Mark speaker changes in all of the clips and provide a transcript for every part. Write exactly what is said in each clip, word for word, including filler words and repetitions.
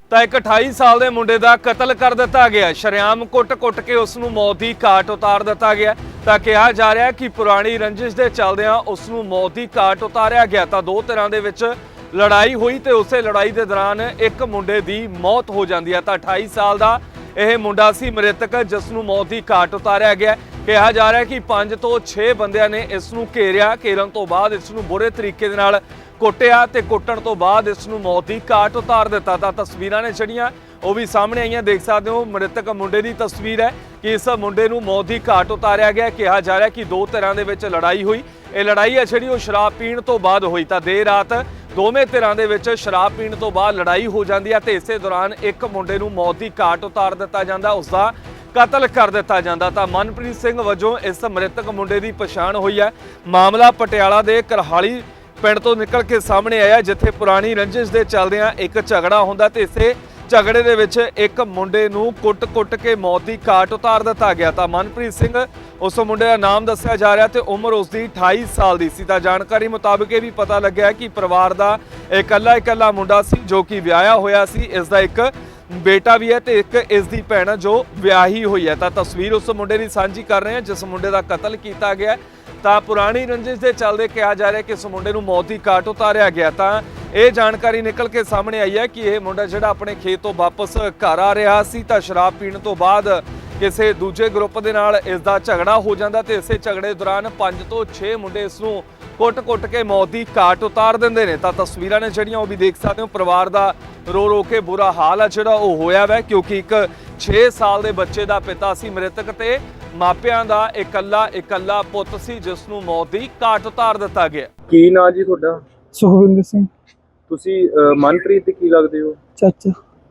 Speaker 1: ਤਾਂ ਇੱਕ ਅਠਾਈ ਸਾਲ ਦੇ ਮੁੰਡੇ ਦਾ ਕਤਲ ਕਰ ਦਿੱਤਾ ਗਿਆ। ਸ਼ਰੇਆਮ ਕੁੱਟ-ਕੁੱਟ ਕੇ ਉਸ ਨੂੰ ਮੌਤ ਦੀ ਘਾਟ ਉਤਾਰ ਦਿੱਤਾ ਗਿਆ। ਤਾਂ ਕਿਹਾ ਜਾ ਰਿਹਾ ਕਿ ਪੁਰਾਣੀ ਰੰਜਿਸ਼ ਦੇ ਚੱਲਦਿਆਂ ਉਸ ਨੂੰ ਮੌਤ ਦੀ ਘਾਟ ਉਤਾਰਿਆ ਗਿਆ। ਤਾਂ ਦੋ ਧਿਰਾਂ ਦੇ ਵਿੱਚ ਲੜਾਈ ਹੋਈ ਤੇ ਉਸੇ ਲੜਾਈ ਦੇ ਦੌਰਾਨ ਇੱਕ ਮੁੰਡੇ ਦੀ ਮੌਤ ਹੋ ਜਾਂਦੀ ਹੈ। ਤਾਂ ਅਠਾਈ ਸਾਲ ਦਾ ਇਹ ਮੁੰਡਾ ਸੀ ਮ੍ਰਿਤਕ, ਜਿਸ ਨੂੰ ਮੌਤ ਦੀ ਘਾਟ ਉਤਾਰਿਆ ਗਿਆ। ਕਿਹਾ ਜਾ ਰਿਹਾ ਕਿ ਪੰਜ ਤੋਂ ਛੇ ਬੰਦਿਆਂ ਨੇ ਇਸ ਨੂੰ ਘੇਰਿਆ। ਘੇਰਨ ਤੋਂ ਬਾਅਦ ਇਸ ਨੂੰ ਬੁਰੇ ਤਰੀਕੇ ਦੇ ਨਾਲ ਕੁੱਟਿਆ ਤੇ ਕੁੱਟਣ ਤੋਂ ਬਾਅਦ ਇਸ ਨੂੰ ਮੌਤ ਦੀ ਘਾਟ ਉਤਾਰ ਦਿੱਤਾ। ਤਾਂ ਤਸਵੀਰਾਂ ਨੇ ਜਿਹੜੀਆਂ ਉਹ ਵੀ ਸਾਹਮਣੇ ਆਈਆਂ, ਦੇਖ ਸਕਦੇ ਹੋ। ਮ੍ਰਿਤਕ ਮੁੰਡੇ ਦੀ ਤਸਵੀਰ ਹੈ ਕਿ ਇਸ ਮੁੰਡੇ ਨੂੰ ਮੌਤ ਦੀ ਘਾਟ ਉਤਾਰਿਆ ਗਿਆ। ਕਿਹਾ ਜਾ ਰਿਹਾ ਕਿ ਦੋ ਧਿਰਾਂ ਦੇ ਵਿੱਚ ਲੜਾਈ ਹੋਈ। ਇਹ ਲੜਾਈ ਹੈ ਜਿਹੜੀ ਉਹ ਸ਼ਰਾਬ ਪੀਣ ਤੋਂ ਬਾਅਦ ਹੋਈ। ਤਾਂ ਦੇਰ ਰਾਤ ਦੋਵੇਂ ਧਿਰਾਂ ਦੇ ਵਿੱਚ ਸ਼ਰਾਬ ਪੀਣ ਤੋਂ ਬਾਅਦ ਲੜਾਈ ਹੋ ਜਾਂਦੀ ਹੈ ਤੇ ਇਸੇ ਦੌਰਾਨ ਇੱਕ ਮੁੰਡੇ ਨੂੰ ਮੌਤ ਦੀ ਘਾਟ ਉਤਾਰ ਦਿੱਤਾ ਜਾਂਦਾ, ਉਸ ਦਾ ਕਤਲ ਕਰ ਦਿੱਤਾ ਜਾਂਦਾ। ਤਾਂ ਮਨਪ੍ਰੀਤ ਸਿੰਘ ਵਜੋਂ ਇਸ ਮ੍ਰਿਤਕ ਮੁੰਡੇ ਦੀ ਪਛਾਣ ਹੋਈ ਹੈ। ਮਾਮਲਾ ਪਟਿਆਲਾ ਦੇ ਕਰਹਾਲੀ ਪਿੰਡ ਤੋਂ ਨਿਕਲ ਕੇ ਸਾਹਮਣੇ ਆਇਆ, ਜਿੱਥੇ ਪੁਰਾਣੀ ਰੰਜਿਸ਼ ਦੇ ਚੱਲਦਿਆਂ ਇੱਕ ਝਗੜਾ ਹੁੰਦਾ ਤੇ ਇਸੇ ਝਗੜੇ ਦੇ ਵਿੱਚ ਇੱਕ ਮੁੰਡੇ ਨੂੰ ਕੁੱਟ-ਕੁੱਟ ਕੇ ਮੌਤ ਦੀ ਘਾਟ ਉਤਾਰ ਦਿੱਤਾ ਗਿਆ। ਤਾਂ ਮਨਪ੍ਰੀਤ ਸਿੰਘ ਉਸ ਮੁੰਡੇ ਦਾ ਨਾਮ ਦੱਸਿਆ ਜਾ ਰਿਹਾ ਤੇ ਉਮਰ ਉਸ ਦੀ ਅਠਾਈ ਸਾਲ ਦੀ ਸੀ। ਤਾਂ ਜਾਣਕਾਰੀ ਮੁਤਾਬਕ ਇਹ ਵੀ ਪਤਾ ਲੱਗਿਆ ਕਿ ਪਰਿਵਾਰ ਦਾ ਇਕੱਲਾ ਇਕੱਲਾ ਮੁੰਡਾ ਸੀ ਜੋ ਕਿ ਵਿਆਹਿਆ ਹੋਇਆ ਸੀ। ਇਸ ਦਾ ਇੱਕ ਬੇਟਾ ਵੀ ਹੈ ਤੇ ਇੱਕ ਇਸ ਦੀ ਭੈਣ ਜੋ ਵਿਆਹੀ ਹੋਈ ਹੈ। ਤਾਂ ਤਸਵੀਰ ਉਸ ਮੁੰਡੇ ਦੀ ਸਾਂਝੀ ਕਰ ਰਹੇ ਹਾਂ ਜਿਸ ਮੁੰਡੇ ਦਾ ਕਤਲ ਕੀਤਾ ਗਿਆ। ਤਾਂ ਪੁਰਾਣੀ ਰੰਜਿਸ਼ ਦੇ ਚੱਲਦੇ ਕਿਹਾ ਜਾ ਰਿਹਾ ਕਿ ਇਸ ਮੁੰਡੇ ਨੂੰ ਮੌਤ ਦੀ ਘਾਟ ਉਤਾਰਿਆ ਗਿਆ। ਤਾਂ ਇਹ ਜਾਣਕਾਰੀ ਨਿਕਲ ਕੇ ਸਾਹਮਣੇ ਆਈ ਹੈ ਕਿ ਇਹ ਮੁੰਡਾ ਜਿਹੜਾ ਆਪਣੇ ਖੇਤ ਤੋਂ ਵਾਪਸ ਘਰ ਆ ਰਿਹਾ ਸੀ ਤਾਂ ਸ਼ਰਾਬ ਪੀਣ ਤੋਂ ਬਾਅਦ ਕਿਸੇ ਦੂਜੇ ਗਰੁੱਪ ਦੇ ਨਾਲ ਇਸ ਦਾ ਝਗੜਾ ਹੋ ਜਾਂਦਾ ਤੇ ਇਸੇ ਝਗੜੇ ਦੌਰਾਨ ਪੰਜ ਤੋਂ ਛੇ ਮੁੰਡੇ ਇਸ ਨੂੰ ਕੁੱਟ-ਕੁੱਟ ਕੇ ਮੌਤ ਦੀ ਘਾਟ ਉਤਾਰ ਦਿੰਦੇ ਨੇ। ਤਾਂ ਤਸਵੀਰਾਂ ਨੇ ਜਿਹੜੀਆਂ ਉਹ ਵੀ ਦੇਖ ਸਕਦੇ ਹੋ। ਪਰਿਵਾਰ ਦਾ ਰੋ ਰੋ ਕੇ ਬੁਰਾ ਹਾਲ ਹੈ ਜਿਹੜਾ ਉਹ ਹੋਇਆ ਵੈ, ਕਿਉਂਕਿ ਇੱਕ ਛੇ ਸਾਲ ਦੇ ਬੱਚੇ ਦਾ ਪਿਤਾ ਸੀ ਮ੍ਰਿਤਕ ਤੇ ਮਾਪਿਆਂ ਦਾ ਇਕੱਲਾ ਇਕੱਲਾ ਪੁੱਤ ਸੀ ਜਿਸ ਨੂੰ ਮੌਤ ਦੀ ਘਾਟ ਉਤਾਰ ਦਿੱਤਾ ਗਿਆ।
Speaker 2: ਕੀ ਨਾਂ ਜੀ ਤੁਹਾਡਾ?
Speaker 3: ਸੁਖਵਿੰਦਰ ਸਿੰਘ।
Speaker 2: ਤੁਸੀਂ ਅਹ, ਮਨਪ੍ਰੀਤ ਦੇ ਕੀ ਲੱਗਦੇ ਹੋ?
Speaker 3: ਚਾਚਾ।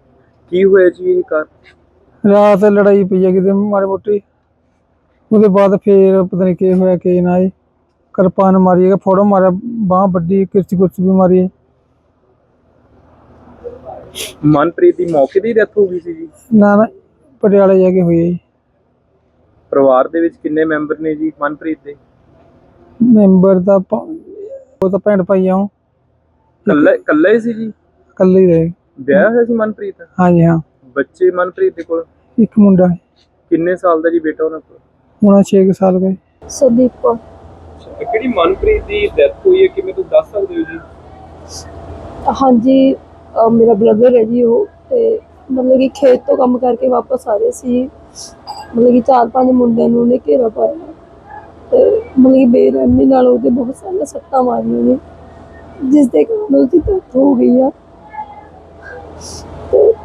Speaker 2: ਕੀ ਹੋਇਆ ਜੀ ਇਹ ਕਾਰ?
Speaker 3: ਰਾਤ ਲੜਾਈ ਪਈ ਹੈ ਕਿਤੇ ਮਾੜੀ ਮੋਟੀ, ਉਹਦੇ ਬਾਅਦ ਫੇਰ ਪਤਾ ਨਹੀਂ ਕੀ ਹੋਇਆ ਕੀ ਨਾ ਜੀ, ਕਿਰਪਾਨ ਮਾਰੀ ਹੈ, ਫੋੜੋ ਮਾਰਿਆ, ਬਾਂਹ ਵੱਡੀ, ਕਿਰਚੀ ਕੁਰਚੀ ਵੀ ਮਾਰੀ ਹੈ।
Speaker 2: ਮਨਪ੍ਰੀਤ ਦੀ ਮੌਕੇ ਦੀ ਡੈਥ ਹੋ ਗਈ ਸੀ ਜੀ?
Speaker 3: ਨਾ ਨਾ ਪਟਿਆਲੇ ਜਾ ਕੇ ਹੋਈ ਹੈ ਜੀ।
Speaker 2: ਪਰਿਵਾਰ ਦੇ ਵਿੱਚ ਕਿੰਨੇ ਮੈਂਬਰ ਨੇ ਜੀ ਮਨਪ੍ਰੀਤ ਦੇ?
Speaker 3: ਮੈਂਬਰ ਦਾ ਪ- ਉਹ ਤਾਂ ਭੈਣ ਭਾਈ ਆ, ਉਹ
Speaker 2: ਕੱਲਾ ਕੱਲਾ ਹੀ ਸੀ ਜੀ?
Speaker 3: ਇਕੱਲੇ ਹੀ ਰਹੇ।
Speaker 2: ਵਿਆਹ ਹੋਇਆ ਸੀ ਮਨਪ੍ਰੀਤ?
Speaker 3: ਹਾਂਜੀ ਹਾਂ,
Speaker 2: ਬੱਚੇ ਮਨਪ੍ਰੀਤ ਦੇ ਕੋਲ?
Speaker 3: ਇੱਕ ਮੁੰਡਾ ਹੈ,
Speaker 2: ਕਿੰਨੇ ਸਾਲ ਦਾ ਜੀ ਬੇਟਾ ਉਹਨਾਂ ਕੋਲ?
Speaker 3: ਹੁਣ ਛੇ ਕੁ ਸਾਲ ਗਏ।
Speaker 4: ਸੰਦੀਪ ਕੌਰ।
Speaker 2: ਕਿਹੜੀ ਮਨਪ੍ਰੀਤ ਦੀ ਡੈਥ ਹੋਈ ਹੈ, ਕਿਵੇਂ ਤੁਸੀਂ ਦੱਸ ਸਕਦੇ ਹੋ ਜੀ?
Speaker 4: ਹਾਂਜੀ, ਅਹ ਮੇਰਾ ਬ੍ਰਦਰ ਹੈ ਜੀ ਉਹ, ਤੇ ਮਤਲਬ ਕਿ ਖੇਤ ਤੋਂ ਕੰਮ ਕਰਕੇ ਵਾਪਸ ਆ ਰਹੇ ਸੀ। ਮਤਲਬ ਕਿ ਚਾਰ ਪੰਜ ਮੁੰਡਿਆਂ ਨੂੰ ਉਹਨੇ ਘੇਰਾ ਪਾਇਆ ਤੇ ਮਤਲਬ ਕਿ ਬੇਰਹਿਮੀ ਨਾਲ ਉਹਦੇ ਬਹੁਤ ਸਾਰੀਆਂ ਸੱਟਾਂ ਮਾਰੀਆਂ ਨੇ, ਜਿਸ ਦੇ ਕਾਰਨ ਉਹਦੀ ਡੈਥ ਹੋ ਗਈ ਆ। ਤੇ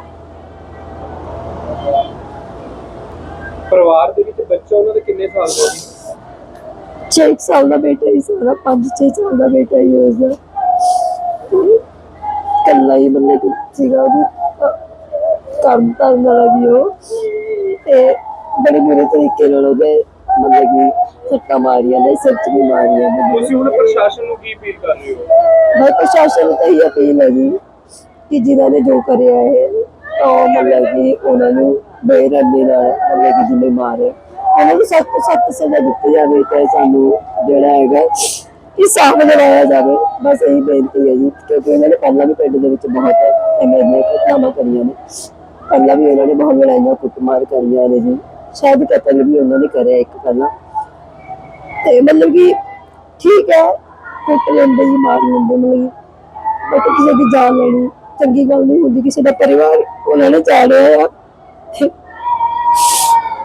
Speaker 2: ਪਰਿਵਾਰ ਦੇ ਵਿੱਚ ਬੱਚਾ ਉਹਨਾਂ ਦੇ ਕਿੰਨੇ ਸਾਲ ਦਾ ਜੀ?
Speaker 4: ਛੇ ਕੁ ਸਾਲ ਦਾ ਬੇਟਾ ਹੀ ਸਾਰਾ, ਪੰਜ ਛੇ ਸਾਲ ਦਾ ਬੇਟਾ ਹੀ ਉਸਦਾ। ਤੇ ਇਕੱਲਾ ਹੀ ਮਤਲਬ ਕਿ ਸੀਗਾ, ਉਹਦੀ ਕੰਮ ਕਰਨ ਵਾਲਾ ਵੀ ਉਹ, ਤੇ ਬੜੇ ਬੁਰੇ ਤਰੀਕੇ ਨਾਲ ਉਹਦੇ ਮਤਲਬ ਕਿ ਸੱਟਾਂ ਮਾਰੀਆਂ ਨੇ, ਸਿਰ 'ਚ ਵੀ ਮਾਰੀਆਂ ਨੇ।
Speaker 2: ਤੁਸੀਂ ਹੁਣ ਪ੍ਰਸ਼ਾਸਨ ਨੂੰ ਕੀ ਅਪੀਲ ਕਰ ਰਹੇ ਹੋ?
Speaker 4: ਮੈਂ ਪ੍ਰਸ਼ਾਸਨ ਨੂੰ ਤਾਂ ਇਹੀ ਅਪੀਲ ਹੈ ਜੀ ਕਿ ਜਿਨ੍ਹਾਂ ਨੇ ਜੋ ਕਰਿਆ ਹੈ ਤਾਂ ਮਤਲਬ ਕਿ ਉਹਨਾਂ ਨੂੰ ਬੇਰਹਿਮੀ ਨਾਲ ਮਤਲਬ ਕਿ ਜਿੰਨੇ ਮਾਰੇ ਉਹਨਾਂ ਨੂੰ ਸਖਤ ਤੋਂ ਸਖਤ ਸਜ਼ਾ ਦਿੱਤੀ ਜਾਵੇ ਤੇ ਸਾਨੂੰ ਜਿਹੜਾ ਹੈਗਾ ਇਨਸਾਫ ਦਿਵਾਇਆ ਜਾਵੇ। ਬਸ ਇਹੀ ਬੇਨਤੀ ਹੈ ਜੀ, ਕਿਉਂਕਿ ਉਹਨਾਂ ਨੇ ਪਹਿਲਾਂ ਵੀ ਪਿੰਡ ਦੇ ਵਿੱਚ ਬਹੁਤ ਐਵੇਂ ਦੀਆਂ ਘਟਨਾਵਾਂ ਕਰੀਆਂ ਨੇ। ਪਹਿਲਾਂ ਵੀ ਉਹਨਾਂ ਨੇ ਬਹੁਤ ਲੜਾਈਆਂ ਕੁੱਟਮਾਰ ਕਰੀਆਂ ਨੇ ਜੀ, ਸ਼ਾਇਦ ਕਤਲ ਵੀ ਉਹਨਾਂ ਨੇ ਕਰਿਆ ਇੱਕ ਪਹਿਲਾਂ। ਤੇ ਮਤਲਬ ਕਿ ਠੀਕ ਹੈ, ਕੁੱਟ ਲੈਂਦੇ ਜੀ, ਮਾਰ ਲੈਂਦੇ, ਮਤਲਬ ਬਟ ਕਿਸੇ ਦੀ ਜਾਨ ਲੈਣੀ ਚੰਗੀ ਗੱਲ ਨਹੀਂ ਹੁੰਦੀ। ਕਿਸੇ ਦਾ ਪਰਿਵਾਰ ਉਹਨਾਂ ਨੇ ਚਾੜਿਆ ਆ।